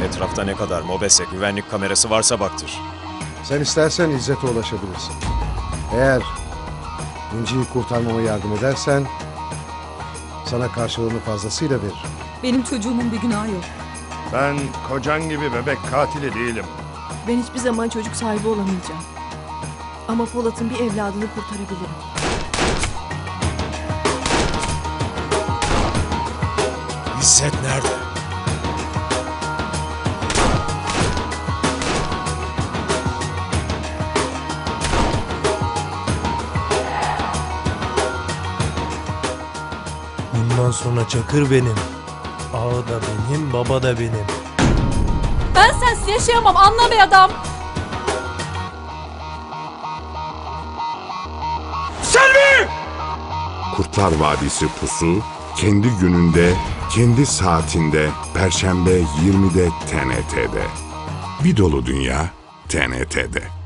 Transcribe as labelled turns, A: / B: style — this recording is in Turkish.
A: Etrafta ne kadar mobese, güvenlik kamerası varsa baktır.
B: Sen istersen İzzet'e ulaşabilirsin. Eğer İnci'yi kurtarmama yardım edersen sana karşılığını fazlasıyla veririm.
C: Benim çocuğumun bir günahı yok.
D: Ben kocan gibi bebek katili değilim.
E: Ben hiçbir zaman çocuk sahibi olamayacağım. Ama Polat'ın bir evladını kurtarabilirim.
A: İzzet nerede?
F: Bundan sonra Çakır benim. Ağa da benim, baba da benim.
C: Ben sensiz yaşayamam, anla be adam.
G: Kurtlar Vadisi Pusu kendi gününde, kendi saatinde Perşembe 20'de TNT'de. Bir dolu dünya TNT'de.